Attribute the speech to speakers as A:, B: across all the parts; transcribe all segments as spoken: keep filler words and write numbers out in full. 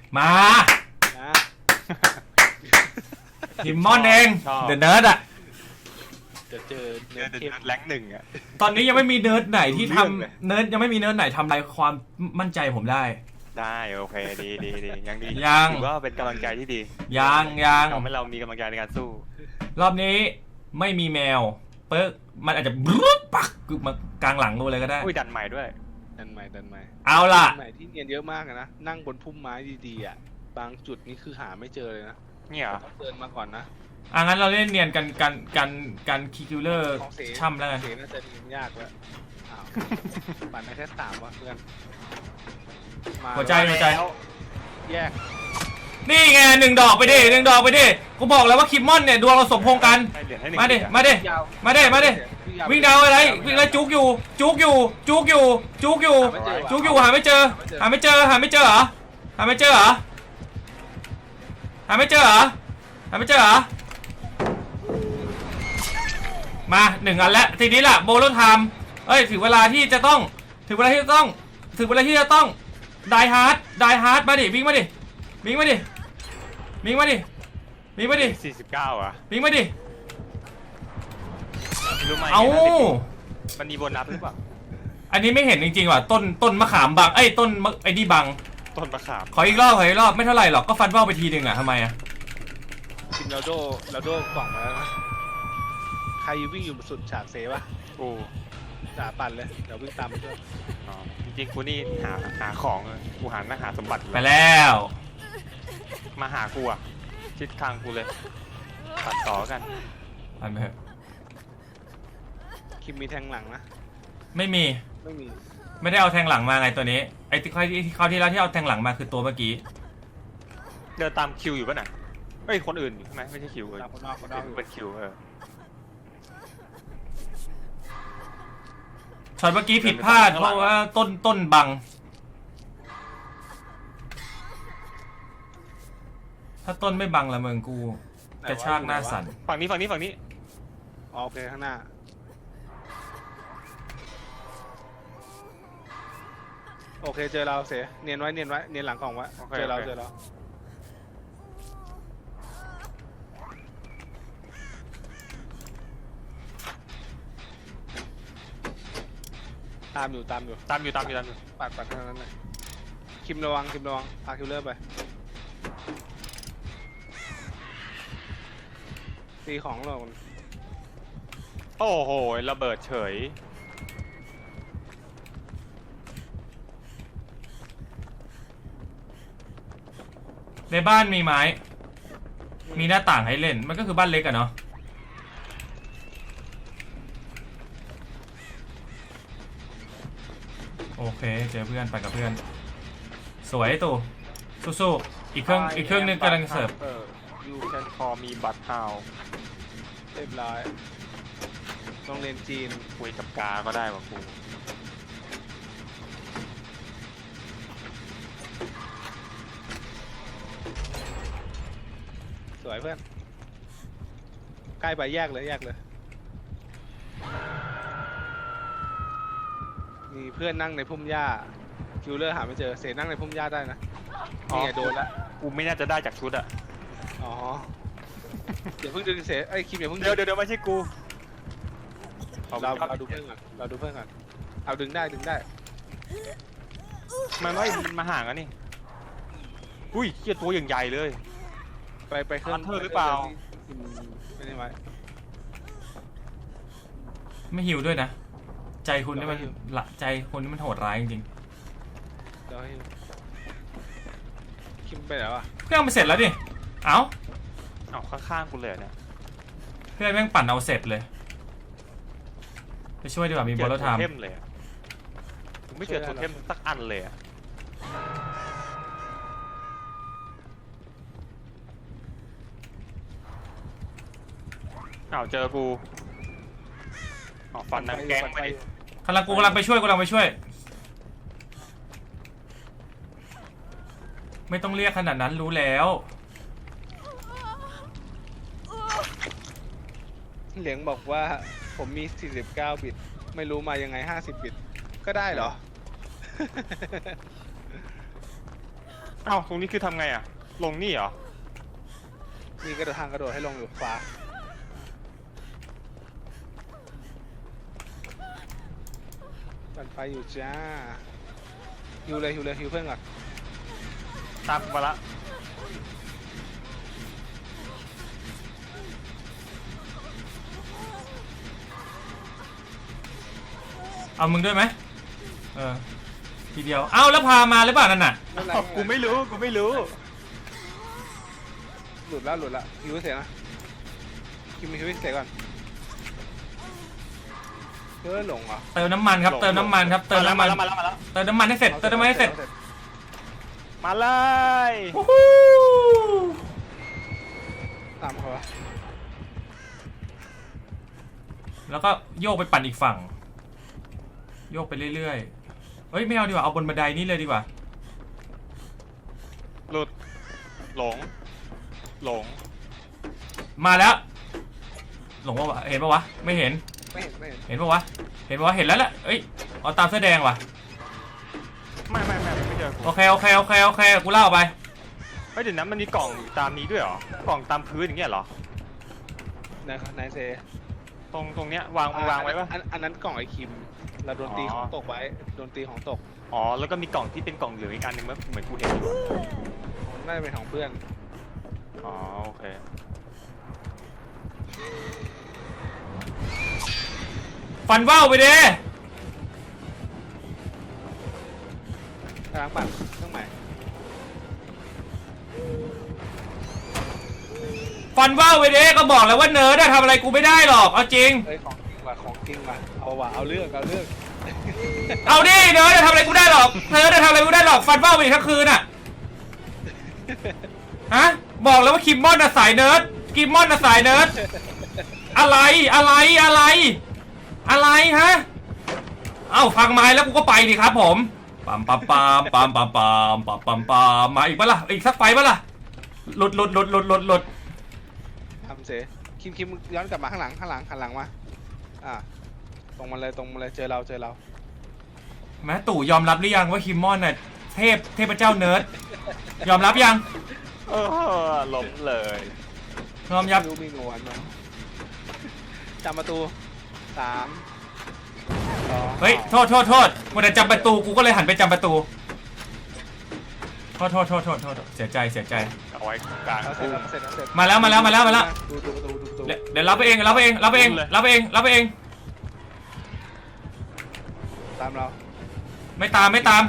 A: มา
B: นะ
A: ทิมมอนเองเดอะเนิร์ดอะ
B: จะเจอเนิร์ด
C: แรงหนึ่งอะ
A: ตอนนี้ยังไม่มีเนิร์ดไหนที่ทำเนิร์ดยังไม่มีเนิร์ดไหนทำลายความมั่นใจผมได้
C: ได้โอเคดีดีดียังดี
A: ยัง
C: ถือว่าเป็นกำลังใจที่ดี
A: ยังยัง
C: ทำให้เรามีกำลังใจในการสู้
A: รอบนี้ไม่มีแมวเปิ๊กมันอาจจะบลู๊ปักมากลางหลังดูเลยก็ได้
C: อุ้ยดันใหม่ด้วย
B: ดันใหม่ดันใหม่
A: เอาล่ะ
B: ดันใหม่ที่เนียนเยอะมากนะนั่งบนพุ่มไม้ดีๆอ่ะบางจุดนี่คือหาไม่เจอเลยนะ
C: เนี่ย
B: ต้องเดินมาก่อนนะ
A: อ่ะงั้นเราเล่นเนียนกันกันกันกันคิวเลอร์ช่ำแล้วกัน
B: เสน่าจะเนียนยากแล้วอ้าวปั่นไปแค่สามวะเพื่อน
A: หัวใจหัวใจ
B: แยก
A: นี่ไงหนึ่งดอกไปดิหนึ่งดอกไปดิกูบอกแล้วว่าคิมมอนเนี่ยดวงเราสมพงษ์กันมาดิมาดิมาดิมาดิวิ่งดาวอะไรวิ่งแล้วจุกอยู่จุกอยู่จุกอยู่จุกอยู่จุกอยู่หาไม่เจอหาไม่เจอหาไม่เจอเหรอหาไม่เจอเหรอหาไม่เจอเหรอหาไม่เจอเหรอมาหนึ่งอันแล้วทีนี้ล่ะโบโลไทม์เอ้ยถึงเวลาที่จะต้องถึงเวลาที่จะต้องถึงเวลาที่จะต้องไดฮาร์ดไดฮาร์ดมาดิวิ่งมาดิวิ่งมาดิวิ่งมาดิวิ่งมาดิ
C: สี่สิบเก้าอ่ะ
A: วิ่งมาดิ
C: รู้ไหม
A: เอา
C: มันมีโบนัสหรือเปล่า
A: อันนี้ไม่เห็นจริงๆว่ะต้นต้นมะขามบังไอ้ต้นไอ้นี่บัง
C: ต้นมะขาม
A: ขออีกรอบขออีกรอบไม่เท่าไหร่หรอกก็ฟันว่าวไปทีหนึ่งอ่ะทำไมอ่ะ
B: กินเราโดเราโดกล่องมาแล้วนะใครวิ่งอยู่สุดฉากเซฟะ
C: โอ้
B: จ่าปั่นเลยเดี๋ยววิ่งตามไปด้วย
C: อ๋อจริงๆกูนี่หาหาของกูหาหน้าหาสมบัติ
A: ไปแล้ว
C: มาหากูอ่ะชิดทางกูเลยตัดต่อกัน
A: อันไปเถอะ
B: คิมมีแทงหลังนะ
A: ไม่มี
B: ไม่มี
A: ไม่ได้เอาแทงหลังมาไงตัวนี้ไอ้ที่คราวที่แล้วที่เอาแทงหลังมาคือตัวเมื่อกี้
C: เดินตามคิวอยู่ป่ะน่ะเฮ้ยคนอื่นใช่ไหมไม่ใช่คิวเลย
B: คนนอกคนนอก
C: เป็นคิวเออ
A: ช็อตเมื่อกี้ผิดพลาดเพราะว่าต้นต้นบังถ้าต้นไม่บังละเมืองกูกระชากหน้าสั่น
C: ฝั่งนี้ฝั่งนี้ฝั่งนี้
B: โอเคข้างหน้าโอเคเจอเราเสียเนียนไว้เนียนไว้เนียนหลังกล่องไว้เจอเราเจอเราตามอยู่ตามอยู่
C: ตามอยู่ตามอยู่ตามอยู่
B: ปัดปัดเท่านั้นเลยคิมระวังคิมระวังพาคิวเลอร์ไปตีของเรา
C: โอ้โหระเบิดเฉย
A: ในบ้านมีไม้มีหน้าต่างให้เล่นมันก็คือบ้านเล็กอะเนาะโอเคเจอเพื่อนไปกับเพื่อนสวยตู่สู้ๆอีกเครื่องอีกเครื่องนึงกำลังเสิร์ฟ
C: ยูแคนคอมีบัตรเฮา
B: เรียบร้อยต้องเรียนจีน
C: คุยกับกาก็ได้ว่ะครู
B: สวยเพื่อนใกล้ไปแยกเลยแยกเลยมีเพื่อนนั่งในพุ่มหญ้าคิวเลอร์หาไม่เจอเสนั่งในพุ่มหญ้าได้นะนี่ไงโดนละ
C: กูไม่น่าจะได้จากชุดอะ
B: อ๋อเดี๋ยวเพิ่งดึงเสไอ้คิมอย่าเพิ่ง
C: เดี๋ยวเดี๋ยวไม่ใช่กู
B: เราเราดูเพื่อนก่อนเราดูเพื่อนก่อนเอาดึงได้ดึงได้
C: มันไม่มันมาห่างกันนี่อุ้ยเหี้ยตัวอย่างใหญ่เลย
B: ไปไปเครื่อง
C: เธอหรือเปล่า
B: ไม่ได้ไว้
A: ไม่หิวด้วยนะใจคุณนี่มันละใจคุณนี่มันโหดร้ายจริงๆ
B: เดี๋ยวให้คิมไปแล้วอ่ะ
A: เครื่องมันเสร็จแล้วดิเอ้า
C: เอาข้างๆกูเลยเนี่ย
A: เพื่อนแม่งปั่นเอาเสร็จเลยไปช่วยดีกว่ามีโบลไทม์
C: เทมเลยผมไม่เจอโทเทมสักอันเลยอะอ้าวเจอกูอ๋อฟันนังแกงไป
A: กำลังกูกำลังไปช่วยกำลังไปช่วยไม่ต้องเรียกขนาดนั้นรู้แล้ว
B: เหลียงบอกว่าผมมีสี่สิบเก้าบิตไม่รู้มายังไงห้าสิบบิตก็ได้เหรอ
C: เอ้าตรงนี้คือทำไงอ่ะลงนี่เหรอ
B: มีกระโดดทางกระโดดให้ลงอยู่ขวาปั่นไฟอยู่จ้าฮิวเลยฮิวเลยฮิวเพื่อนก่อน
C: ตามมาละ
A: เอามึงด้วยไหมเออทีเดียวเอ้าแล้วพามาหรือเปล่านั่นน่ะ
B: ไม่เป็นไร
C: อ้าวกูไม่รู้กูไม่รู้
B: หลุดแล้วหลุดแล้วฮิวให้เสร็จนะคิมฮิวให้เสร็จก่อนเฮ้ยหลงเหรอ
A: เติมน้ำมันครับเติมน้ำมันครับเติมน้ำมัน
C: มาแล้วมาแล้วมาแล้ว
A: เติมน้ำมันให้เสร็จเติมน้ำมันให้เสร็จ
C: มาเลย
A: วู้ฮู้
B: ตามเขาวะ
A: แล้วก็โยกไปปั่นอีกฝั่งโยกไปเรื่อยๆเฮ้ยไม่เอาดีกว่าเอาบนบันไดนี่เลยดีกว่า
C: หลุดหลงหลง
A: มาแล้วหลงปะวะเห็นปะวะไม่เห็น
B: ไม่เห็นไม่เห็น
A: เห็นปะวะเห็นปะวะเห็นแล้วแหละเอ้ยเอาตามเสื้อแดงว่ะ
C: ไม่ไม่ไม่ไม่เจอกู
A: โอเคโอเคโอเคโอเคกูเล่าไป
C: เฮ้ยเดี๋ยวนะมันมีกล่องอยู่ตามนี้ด้วยเหรอกล่องตามพื้นอย่างเงี้ยเหรอ
B: นายนายเซ
C: ตรงตรงเนี้ยวางวางไว้ปะ
B: อันอันนั้นกล่องไอคิมเราโดนตี
C: อ๋อ
B: ของตกไว้โดนตีของตก
C: อ๋อแล้วก็มีกล่องที่เป็นกล่องเหลืองอีกอันหนึ่งมั้ยเหมือนกูเห็นอยู่
B: น่าจะเป็นของเพื่อน
C: อ๋อโอเค
A: ฟันว่าวไปเด้
B: กำลังปั่นเครื่องใหม่
A: ฟันว่าวไปเด้ก็บอกแล้วว่าเนิร์ดอะทำอะไรกูไม่ได้หรอกเอาจริง
B: เอ้ยของจริงว่ะของจริงว่ะเอาว่ะเอาเรื่องเอาเรื่อง
A: เอาดิเนิร์ดจะทำอะไรกูได้หรอกเนิร์ดจะทำอะไรกูได้หรอกฟันว่าวไปอีกทั้งคืนอะฮะบอกแล้วว่าคิมมอนอะสายเนิร์ดคิมมอนอะสายเนิร์ดอะไรอะไรอะไรอะไรฮะเอ้าฟังไม้แล้วกูก็ไปดิครับผมปั๊มปั๊มปั๊มปั๊มปั๊มปั๊มปั๊มปั๊มปั๊มมาอีกปะล่ะอีกสักไฟปะล่ะหลุดหลุดหลุดหลุดหลุดหลุด
B: ทำเสคิมคิมย้อนกลับมาข้างหลังข้างหลังข้างหลังมาอ่าตรงมาเลยตรงมาเลยเจอเราเจอเรา
A: แม้ตู่ยอมรับหรือยังว่าคิมมอนน่ะเทพเทพเจ้าเนิร์ดยอมรับยัง
C: เออล้มเลย
A: ยอมยับ
B: ไม่รู้มีงวนมั้ยจำประตูสามสอง
A: เฮ้ยโทษโทษโทษวันแต่จำประตูกูก็เลยหันไปจำประตูโทษโทษโทษโทษโทษเสียใจเสียใจ
C: เอาไว้กลาง
B: เอาเสร็จแล้วเสร็จแล้วเสร็จ
A: มาแล้วมาแล้วมาแล้วมาแล้ว
B: ดูดูดูดูดู
A: เดี๋ยวเดี๋ยวรับไปเองรับไปเองรับไปเองรับไปเองรับไปเอง
B: ตามเรา
A: ไม่ตามไม่ตาม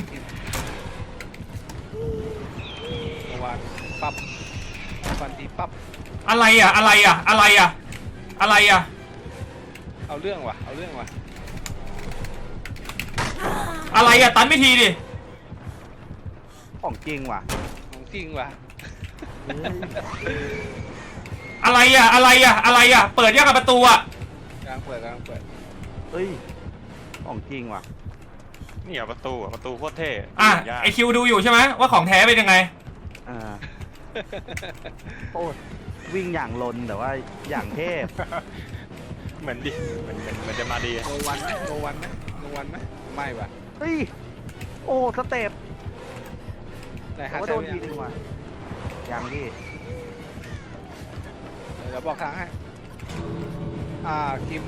B: เมื่อวานปั๊บฟันทีปั๊บ
A: อะไรอ่ะอะไรอ่ะอะไรอ่ะอะไรอ่ะ
B: เอาเรื่องว่ะเอาเรื่องว่ะ
A: อะไรอ่ะตันไม่ทีดิ
D: ของจริงว่ะ
B: ของจริงว่ะ
A: อะไรอ่ะอะไรอ่ะอะไรอ่ะเปิดยังกับประตูอ่ะ
B: กลางเปิดกลางเปิด
D: เฮ้ย ของจริงว่ะ
C: นี่เหรอประตูอะประตูโคตรเท่
A: อ่ะ
C: ยาก
A: ไอคิวดูอยู่ใช่ไหมว่าของแท้เป็นยังไง
D: อ่าโอ้ยวิ่งอย่างลนแต่ว่าอย่างเทพ
C: เหมือนดิเหมือนเหมือนเหมือนจะมาดี
B: โนวันไหมโนวันไหมโนวันไหมไม่ว่ะ
D: เฮ้ย โอ้สเต็ป
B: ไหน
D: แต่
B: หา
D: ว่า
B: ใช่
D: โด
B: ไห
D: น
B: ม
D: ทีนึงว่ะอย่างที่
B: เดี๋ยวบอกทางให้อ่าคิม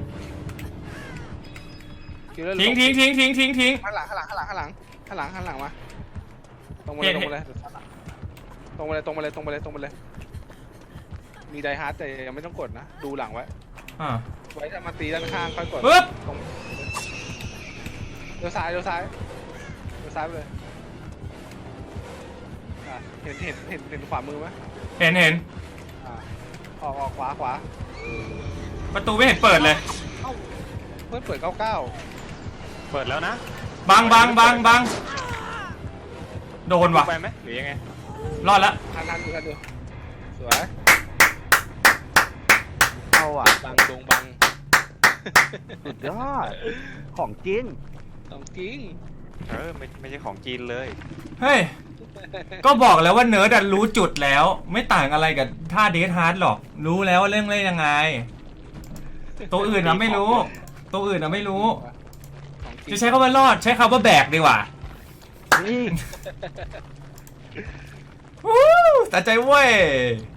B: คิมเริ่ม
A: ทิ้งทิ้งทิ้งทิ้งทิ้งทิ้ง
B: ข้างหลังข้างหลังข้างหลังข้างหลังข้างหลังข้างหลังมาตรงมาเลยตรงมาเลยตรงมาเลยตรงมาเลยตรงมาเลยตรงมาเลยมีไดฮาร์ดแต่ยังไม่ต้องกดนะดูหลังไว้
A: อ่า
B: ไว้ถ้ามาตีด้านข้างค่อยกด
A: ปึ๊บ
B: ตรงเลี้ยวซ้ายเลี้ยวซ้ายเลี้ยวซ้ายไปเลยอ่ะเห็นเห็นเห็นเห็นขวามือไหม
A: เห็นเห็น
B: อ่าออกออกขวาขวา
A: ประตูไม่เห็นเปิดเลย
B: เพื่อนเปิดเก้าเก้า
C: เปิดแล้วนะ
A: บังบังบังบังโดนว่ะ
C: ไปไหมหรือยังไง
A: รอดละ
B: ทันทันดูทันดูสวย
D: เอาอ่ะ
B: บังดงบัง
D: สุดยอด ของจริง
B: ต้องจริง
C: เออไม่ไม่ใช่ของจีนเลย
A: เฮ้ยก็บอกแล้วว่าเนิร์ดอะรู้จุดแล้ว ไม่ต่างอะไรกับท่าเดทฮาร์ดหรอกรู้แล้วว่าเรื่องเล่นยังไง ตัวอื่นอะไม่รู้ ตัวอื่นอะไม่รู้
B: ของจริง
A: จะใช้คำว่ารอดใช้คำว่าแบกดีกว่า
D: นี่
A: วู้สะใจเว้ย